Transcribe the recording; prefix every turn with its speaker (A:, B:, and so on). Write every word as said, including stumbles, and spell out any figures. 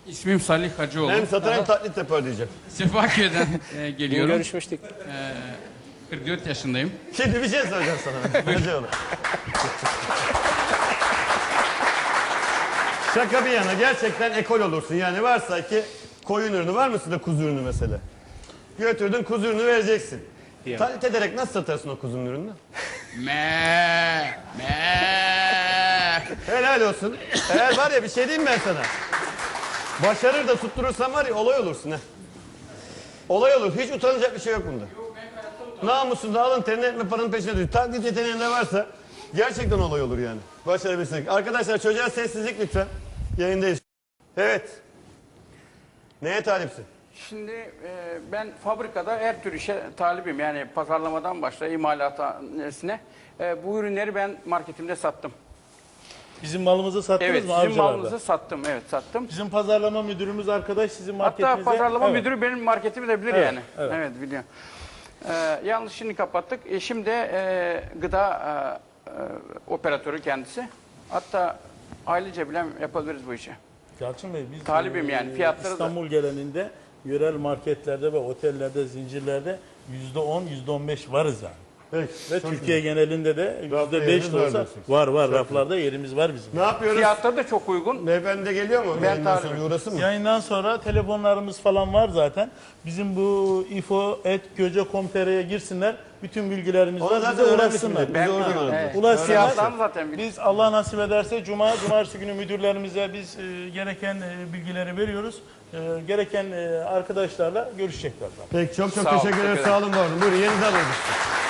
A: İsmim Salih Hacıoğlu.
B: Hem satar hem taklit yapar diyeceğim.
A: Sefaköy'den e, geliyorum.
C: Görüşmüştük.
A: E, kırk dört yaşındayım.
B: Şimdi bir şey soracağım sana. Hacıoğlu. Şaka bir yana gerçekten ekol olursun. Yani varsa ki koyun ürünü var mı sizde, kuzu ürünü mesela? Götürdün kuzu ürünü vereceksin.
C: Yok.
B: Taklit ederek nasıl satarsın o kuzu ürünü?
A: Me me.
B: Helal olsun. Eğer var ya bir şey diyeyim ben sana. Başarır da tutturursan var ya olay olursun ha. Olay olur. Hiç utanacak bir şey yok bunda. Namusunda alın terini etme paranın peşine düşün. Taklit yeteneğin de varsa gerçekten olay olur yani. Başarabilirsin. Arkadaşlar çocuğa sessizlik lütfen. Yayındayız. Evet. Neye talipsin?
D: Şimdi e, ben fabrikada her tür işe talibim. Yani pazarlamadan başla imalathanesine. E, bu ürünleri ben marketimde sattım.
E: Bizim malımızı sattınız
D: Evet,
E: mı
D: sizin
E: avcılarda?
D: malınızı sattım. Evet, sattım.
E: Bizim pazarlama müdürümüz arkadaş sizin marketinize...
D: Hatta pazarlama
E: Evet.
D: müdürü benim marketimi de bilir
E: Evet,
D: yani.
E: evet.
D: Evet, biliyor. E, yalnız şimdi kapattık. E, şimdi e, gıda e, e, operatörü kendisi. Hatta ailece bile yapabiliriz bu işi.
E: Yalçın Bey biz
D: Talibim
E: e,
D: yani, fiyatları da-
E: İstanbul geleninde yörel marketlerde ve otellerde, zincirlerde yüzde on, yüzde on beş varız yani.
B: Peki.
E: Ve
B: çok
E: Türkiye
B: güzel.
E: genelinde de
B: Rafta
E: yüzde beş
B: yeriniz
E: de
B: var
E: olsa
B: diyorsunuz.
E: var var raflarda yerimiz var bizim.
B: Ne yapıyoruz?
D: Fiyatları da çok uygun.
B: Beyefendi de geliyor mu?
D: Ben
B: Yayından
D: talibim.
B: sonra uğrasın mı?
E: Yayından sonra telefonlarımız falan var zaten. Bizim bu info et göce nokta com nokta tr'ye girsinler. Bütün bilgilerimiz
B: Ona
E: var.
B: zaten
E: Bize
B: öğrenmişsiniz.
E: ulaşsınlar.
B: Bizi
D: Ben-
B: oradan
D: Evet.
B: öğrendik.
E: Ulaşsınlar.
D: Fiyatlarını zaten biliyorum.
E: Biz Allah nasip ederse Cuma, Cumartesi günü müdürlerimize biz e, gereken e, bilgileri veriyoruz. E, gereken e, arkadaşlarla görüşecekler zaten.
B: Peki çok çok
D: Sağ ol,
B: teşekkür ederiz.
D: teşekkür
B: Sağ olun var olun. Buyurun yerinizi alıyoruz.